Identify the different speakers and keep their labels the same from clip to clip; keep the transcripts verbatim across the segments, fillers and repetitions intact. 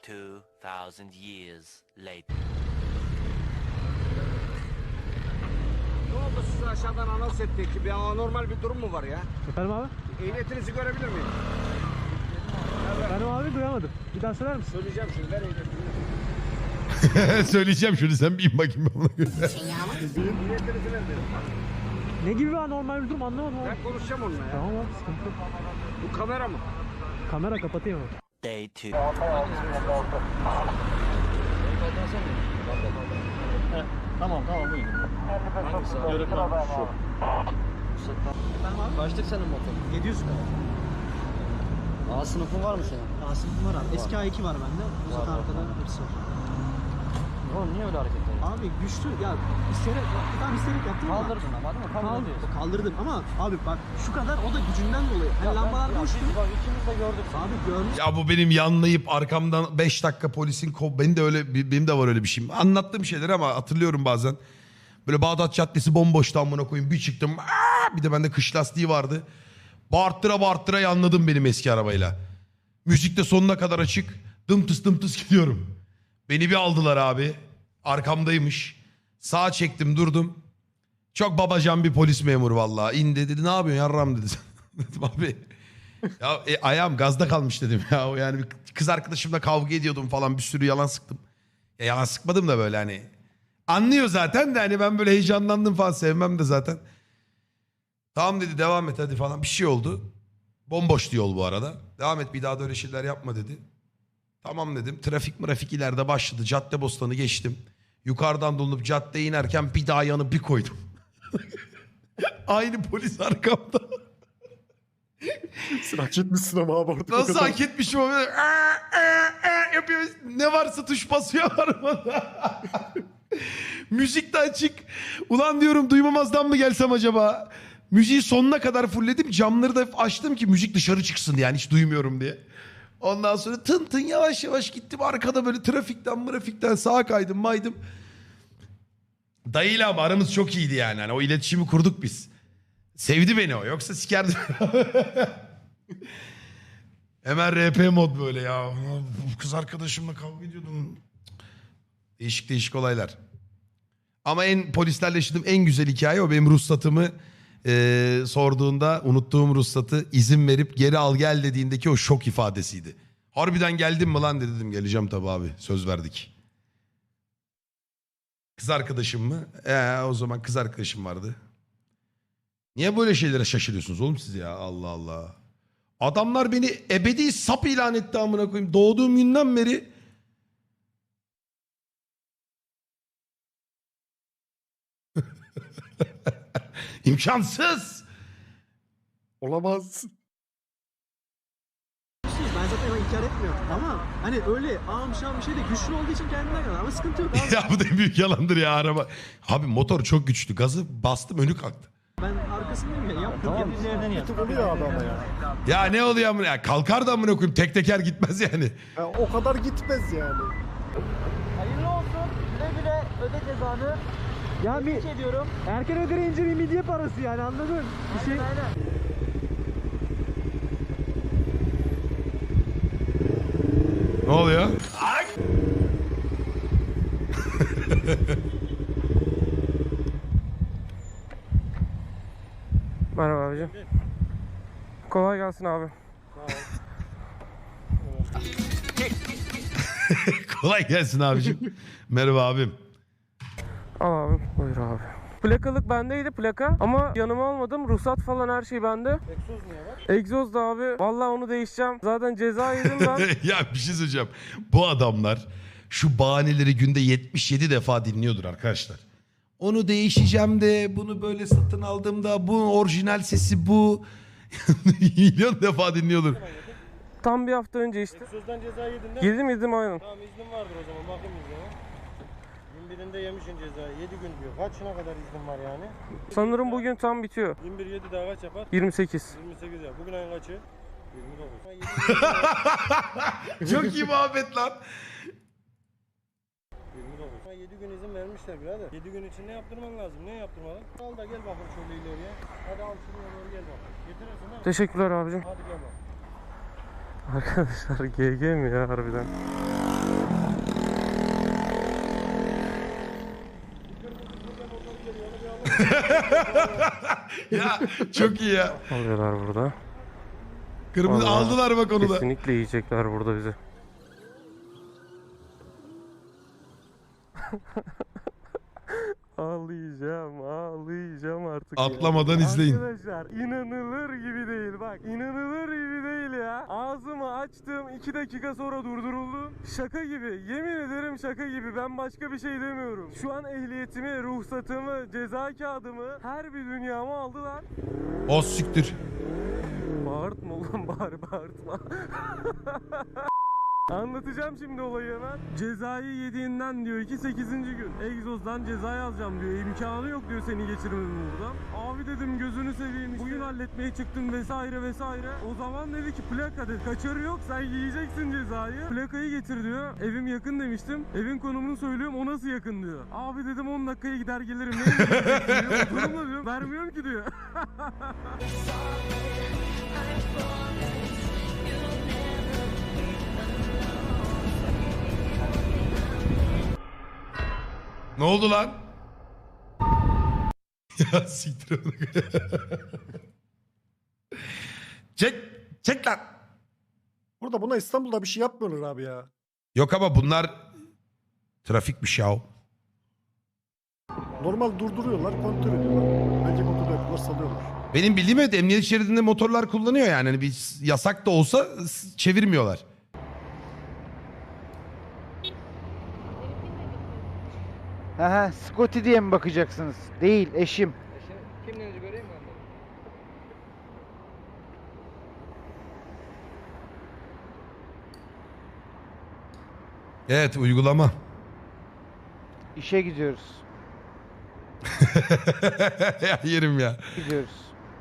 Speaker 1: Two thousand years later.
Speaker 2: Ne oldu, siz aşağıdan anons ettik ki bir anormal bir durum mu var ya?
Speaker 3: Efendim abi?
Speaker 2: Ehliyetinizi görebilir miyim?
Speaker 3: Efendim abi duyamadım. Bir daha söyler misin?
Speaker 2: Söyleyeceğim şimdi, ver ehliyetinizi.
Speaker 4: Söyleyeceğim şunu, sen bir in bakayım ben ona göre.
Speaker 2: Ehliyetinizi ver dedim.
Speaker 3: Ne gibi bir anormal bir durum anlamadım abi.
Speaker 2: Ben konuşacağım onunla ya.
Speaker 3: Tamam abi sıkıntı yok.
Speaker 2: Bu kamera mı?
Speaker 3: Kamera kapatayım abi.
Speaker 1: Day two.
Speaker 5: Tamam tamam buyurun. Hangisi? Yörük var şu.
Speaker 3: Efendim abi?
Speaker 5: Kaçtık senin motor?
Speaker 3: yedi yüz kadar.
Speaker 5: A sınıfın var mı senin?
Speaker 3: A sınıfım var abi. Eski A iki var bende. Bu zaten
Speaker 5: var,
Speaker 3: arkada
Speaker 5: var.
Speaker 3: hepsi var.
Speaker 5: Oğlum niye öyle hareket ediyorsun?
Speaker 3: Abi güçlü ya isteyerek tam isteyerek yaptım ama.
Speaker 5: Kaldırdın ama değil mi? Kabul
Speaker 3: Kal-
Speaker 5: ediyorsun.
Speaker 3: kaldırdım ama abi bak şu kadar o da gücünden dolayı. Hani lambalar
Speaker 5: Ya
Speaker 3: boştu.
Speaker 5: biz bak ikimiz de gördük.
Speaker 3: Abi görmüş.
Speaker 4: Ya bu benim yanlayıp arkamdan beş dakika polisin kov... Benim de öyle, benim de var öyle bir şeyim. Anlattığım şeyler ama hatırlıyorum bazen. Böyle Bağdat Caddesi bomboştu amına koyayım. Bir çıktım. Aa! Bir de bende kış lastiği vardı. Bağırttıra bağırttıra yanladım benim eski arabayla. Müzik de sonuna kadar açık. Dımtıs dımtıs gidiyorum. Beni bir aldılar abi. Arkamdaymış. Sağa çektim durdum. Çok babacan bir polis memuru vallahi. İndi dedi, ne yapıyorsun yarram dedi. Dedim abi. Ya e, ayağım gazda kalmış dedim ya. Yani bir kız arkadaşımla kavga ediyordum falan, bir sürü yalan sıktım. Ya yalan sıkmadım da böyle hani. Anlıyor zaten de hani ben böyle heyecanlandım falan, sevmem de zaten. Tamam dedi, devam et hadi falan, bir şey oldu. Bomboştu yol bu arada. Devam et, bir daha da öyle şeyler yapma dedi. Tamam dedim. Trafik mrafik ileride başladı. Caddebostanı geçtim. Yukarıdan dolanıp caddeye inerken bir daha yanı bir koydum. Aynı polis arkamda.
Speaker 6: Sen hak etmişsin ama abi artık.
Speaker 4: Nasıl hak etmişim o böyle. Aa, aa, aa yapıyor. Ne varsa tuş basıyor arabada. Müzik de açık. Ulan diyorum, duymamazdan mı gelsem acaba? Müziği sonuna kadar fullledim. Camları da açtım ki müzik dışarı çıksın diye. Yani hiç duymuyorum diye. Ondan sonra tın tın yavaş yavaş gittim. Arkada böyle trafikten mırafikten sağa kaydım maydım. Dayıyla ama aramız çok iyiydi yani. Hani o iletişimi kurduk biz. Sevdi beni o. Yoksa sikerdi. Hemen R P mod böyle ya. Bu kız arkadaşımla kavga ediyordum. Değişik değişik olaylar. Ama en polislerle yaşadığım en güzel hikaye o. Benim ruhsatımı e, sorduğunda unuttuğum ruhsatı izin verip geri al gel dediğindeki o şok ifadesiydi. Harbiden geldin mi lan dedi, dedim geleceğim tabii abi, söz verdik. Kız arkadaşım mı? Ee, o zaman kız arkadaşım vardı. Niye böyle şeylere şaşırıyorsunuz oğlum siz ya, Allah Allah. Adamlar beni ebedi sap ilan etti amına koyayım. Doğduğum günden beri. İmkansız.
Speaker 6: Olamaz.
Speaker 3: Ben zaten inkar etmiyorum ama hani öyle ağam şam bir şey de güçlü olduğu için kendinden kadar ama sıkıntı yok abi.
Speaker 4: Ya bu da en büyük yalandır ya araba. Abi motor çok güçlü. Gazı bastım önü kalktı.
Speaker 3: Ben arkasındayım ya yaptım.
Speaker 5: Tamam
Speaker 3: Tamam.
Speaker 5: biz yerden
Speaker 6: Bir
Speaker 5: yaptık.
Speaker 6: tık oluyor abi ama ya.
Speaker 4: Ya ne oluyor amına ya? Kalkar da amına koyayım. Tek teker gitmez yani.
Speaker 6: Ya o kadar gitmez yani.
Speaker 5: Hayırlı olsun. Güle güle öde cezanı.
Speaker 3: Ya bir
Speaker 5: Tebrik ediyorum.
Speaker 3: erken ödeyince bir midye parası yani, anladın? Bir şey...
Speaker 5: Aynen.
Speaker 4: Ne oluyor?
Speaker 7: Merhaba abicim. Kolay gelsin abi.
Speaker 4: Kolay gelsin abicim. Merhaba abim.
Speaker 7: Al abi. Buyur abi. Plakalık bendeydi, plaka, ama yanıma almadım. Ruhsat falan her şey bende.
Speaker 5: Egzoz niye var?
Speaker 7: Egzoz da abi. Vallahi onu değişeceğim. Zaten ceza yedim ben.
Speaker 4: Ya bir şey söyleyeceğim. Bu adamlar şu bahaneleri günde yetmiş yedi defa dinliyordur arkadaşlar. Onu değişeceğim de, bunu böyle satın aldığımda bu orijinal sesi bu. Milyon defa dinliyordur.
Speaker 7: Tam bir hafta önce işte.
Speaker 5: Egzozdan ceza yedin değil mi?
Speaker 7: Yedim yedim aynen.
Speaker 5: Tamam iznin vardır o zaman bakayım iznine. Gün birinde yemişsin cezayı. yedi gün diyor. Kaçına kadar iznin var yani?
Speaker 7: Sanırım bugün tam bitiyor.
Speaker 5: yirmi bir yedi daha kaç yapar?
Speaker 7: yirmi sekiz.
Speaker 5: yirmi sekiz ya. Bugün ayın kaçı? yirmi dokuz.
Speaker 4: Çok iyi muhabbet lan.
Speaker 5: yirmi dokuz. yedi gün izin vermişler birader. yedi gün için ne yaptırman lazım? Ne yaptırmalı? Al da gel bakalım şöyle ileriye. Hadi al şunu doğru gel bakalım. Getirirsin değil mi?
Speaker 7: Teşekkürler abicim.
Speaker 5: Hadi gel bakalım.
Speaker 7: Arkadaşlar G G mi ya harbiden?
Speaker 4: Ya çok iyi ya.
Speaker 7: Alıyorlar burada.
Speaker 4: Kırmızı
Speaker 7: Vallahi
Speaker 4: aldılar bak onu da.
Speaker 7: Kesinlikle yiyecekler burada bizi. Ağlayacağım, ağlayacağım artık. ya.
Speaker 4: Atlamadan izleyin.
Speaker 7: Arkadaşlar inanılır gibi değil bak. İnanılır gibi değil ya. Ağzımı açtım iki dakika sonra durduruldum. Şaka gibi. Yemin ederim şaka gibi. Ben başka bir şey demiyorum. Şu an ehliyetimi, ruhsatımı, ceza kağıdımı her bir dünyamı aldılar.
Speaker 4: O siktir.
Speaker 7: Bağırtma ulan bari bağırtma. Anlatacağım şimdi olayı hemen. Cezayı yediğinden diyor ki sekizinci gün. Egzozdan ceza yazacağım diyor. İmkanı yok diyor seni geçirmemin buradan. Abi dedim gözünü seveyim. Bugün halletmeye çıktım vesaire vesaire. O zaman dedi ki plaka dedi. Kaçarı yok sen yiyeceksin cezayı. Plakayı getir diyor. Evim yakın demiştim. Evin konumunu söylüyorum o nasıl yakın diyor. Abi dedim on dakikaya gider gelirim. Ne diyor? Durumda diyor. Vermiyorum ki diyor.
Speaker 4: Ne oldu lan? Ya siktir onu. Çek, çek lan.
Speaker 6: Burada buna İstanbul'da bir şey yapmıyorlar abi ya.
Speaker 4: Yok ama bunlar trafikmiş ya.
Speaker 6: Normal durduruyorlar, kontrol ediyorlar. Bence kontrol ediyorlar, salıyorlar.
Speaker 4: Benim bildiğim evet emniyet şeridinde motorlar kullanıyor yani. Hani bir yasak da olsa s- çevirmiyorlar.
Speaker 8: Aha, Scotty diye mi bakacaksınız? Değil, eşim.
Speaker 2: Kimliğinizi göreyim mi?
Speaker 4: Evet uygulama.
Speaker 8: İşe gidiyoruz.
Speaker 4: Ya yerim ya.
Speaker 8: Gidiyoruz.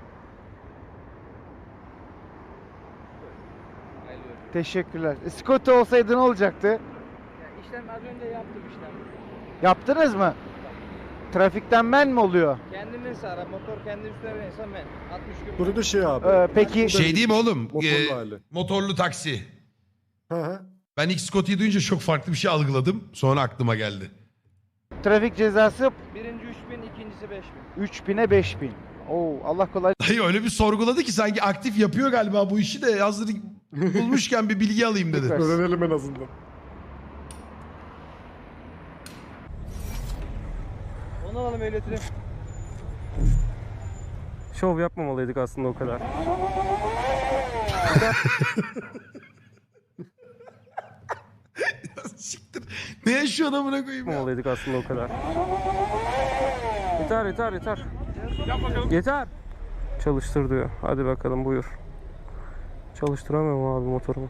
Speaker 8: Teşekkürler. E, Scotty olsaydı ne olacaktı?
Speaker 2: Ya işlem az önce yaptım işlem.
Speaker 8: Yaptınız mı? Trafikten ben mi oluyor?
Speaker 2: Kendin ara motor kendi üstüne binirsen ben altmış gün.
Speaker 6: Burada da şey abi.
Speaker 8: Ee, peki
Speaker 4: Şey değil mi oğlum?
Speaker 6: Motorlu
Speaker 4: Ee,
Speaker 6: hali.
Speaker 4: motorlu taksi.
Speaker 6: Hı hı.
Speaker 4: Ben ilk Scotty'yi duyunca çok farklı bir şey algıladım. Sonra aklıma geldi.
Speaker 8: trafik cezası
Speaker 2: Birinci üç bin, ikincisi beş bin.
Speaker 8: üç bine beş bin. Oo, Allah kolay.
Speaker 4: Dayı öyle bir sorguladı ki sanki aktif yapıyor galiba bu işi de hazır bulmuşken bir bilgi alayım dedi.
Speaker 8: Süper.
Speaker 6: Öğrenelim en azından.
Speaker 5: Onu alalım ehliyetini.
Speaker 7: Şov yapmamalıydık aslında o kadar.
Speaker 4: Siktir. Ne yaşıyor adamına koyayım ya?
Speaker 7: Yapmamalıydık aslında o kadar. Yeter yeter yeter. Yeter. Çalıştır diyor. Hadi bakalım buyur. Çalıştıramıyorum abi motorumu.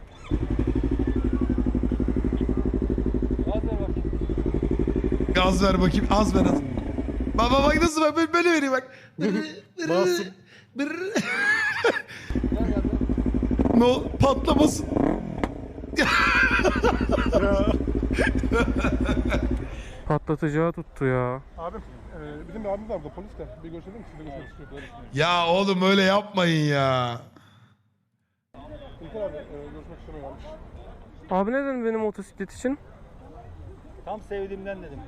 Speaker 4: Gaz ver bakayım. Az ver az. Baba bak nasıl bak böyle, böyle vereyim bak. Bırrı, bırrı,
Speaker 6: Masum.
Speaker 4: bırrı. Ne ol? Patlamasın.
Speaker 6: Ya.
Speaker 7: Patlatacağı tuttu ya.
Speaker 5: Abim, e, bizim bir abimiz var burada polis de. Bir görüşelim mi? Sizle görüşmek istiyor. Böyle düşünüyorum.
Speaker 4: Ya oğlum öyle yapmayın ya.
Speaker 5: İlker abi, e, görüşmek istemiyorlarmış.
Speaker 7: Abi ne dedin benim motosiklet için?
Speaker 5: Tam sevdiğimden dedim.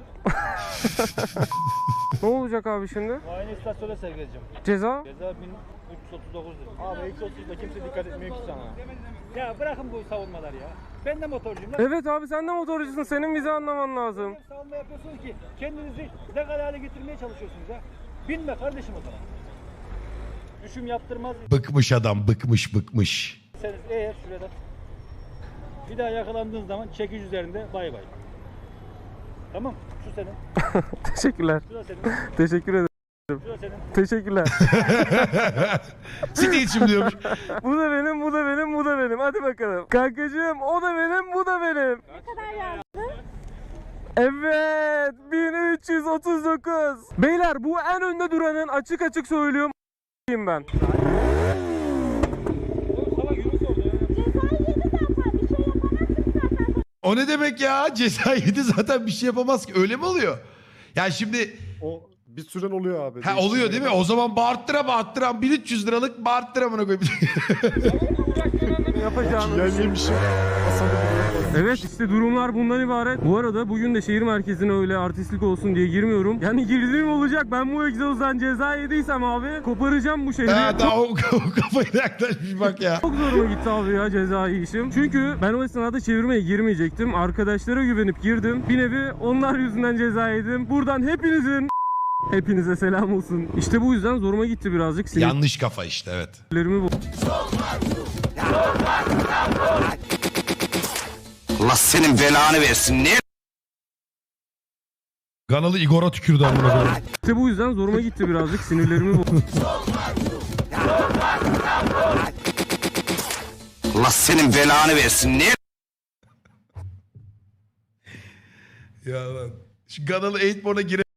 Speaker 7: Ne olacak abi şimdi?
Speaker 5: Muayene istasyona sevk edeceğim.
Speaker 7: Ceza?
Speaker 5: Ceza bin üç yüz otuz dokuz lira. Abi iki yüz otuzda kimse dikkat etmiyor ki sana. Ya bırakın bu savunmalar ya. Ben de motorcuyum lan.
Speaker 7: Evet abi sen de motorcusun. Senin bizi anlaman lazım.
Speaker 5: Savunma yapıyorsunuz ki kendinizi legal hale getirmeye çalışıyorsunuz ya. Binme kardeşim o zaman. Düşüm yaptırmaz
Speaker 4: Bıkmış adam bıkmış bıkmış.
Speaker 5: iseniz eğer şurada bir daha yakalandığın zaman çekiş üzerinde bay bay. Tamam, şu senin,
Speaker 7: Teşekkürler.
Speaker 5: şu da senin,
Speaker 7: Teşekkür ederim.
Speaker 5: şu da senin.
Speaker 7: Teşekkürler.
Speaker 4: Siktir şimdi diyormuş.
Speaker 7: Bu da benim, bu da benim, bu da benim. Hadi bakalım. Kankacığım o da benim, bu da benim.
Speaker 9: Ne kadar yazdın?
Speaker 7: Evet. bin üç yüz otuz dokuz. Beyler bu en önde duranın açık açık söylüyorum ben.
Speaker 9: Cezayı yedi zaten bir şey yapamazsın zaten.
Speaker 4: O ne demek ya? Ceza yedi zaten bir şey yapamaz ki. Öyle mi oluyor? Ya şimdi
Speaker 6: O bir süren oluyor abi.
Speaker 4: ha oluyor değil mi? O zaman bağırttıra bağırttıra bin üç yüz liralık bağırttıra amına koyayım.
Speaker 7: Yapacağını
Speaker 6: Yani yemişim. Hasan'ı biliyorum.
Speaker 7: Evet işte durumlar bundan ibaret. Bu arada bugün de şehir merkezine öyle artistlik olsun diye girmiyorum. Yani girdiğim olacak. Ben bu egzozdan ceza yediysem abi koparacağım bu şehri.
Speaker 4: Ha, daha o, o kafayla yaklaşmış bak ya.
Speaker 7: Çok zoruma gitti abi ya cezai işim. Çünkü ben o esnada çevirmeye girmeyecektim. Arkadaşlara güvenip girdim. Bir nevi onlar yüzünden ceza yedim. Buradan hepinizin hepinize selam olsun. İşte bu yüzden zoruma gitti birazcık.
Speaker 4: Yanlış kafa işte, evet.
Speaker 7: Sinirlerimi bu.
Speaker 2: Allah senin belanı versin. Ne?
Speaker 4: Kanalı Igor'a tükürdü amına koyayım.
Speaker 7: İşte bu yüzden zoruma gitti birazcık. Sinirlerimi bu.
Speaker 2: Allah senin belanı versin. Ne?
Speaker 4: Ya lan. Şu kanalı Eightborn'a gire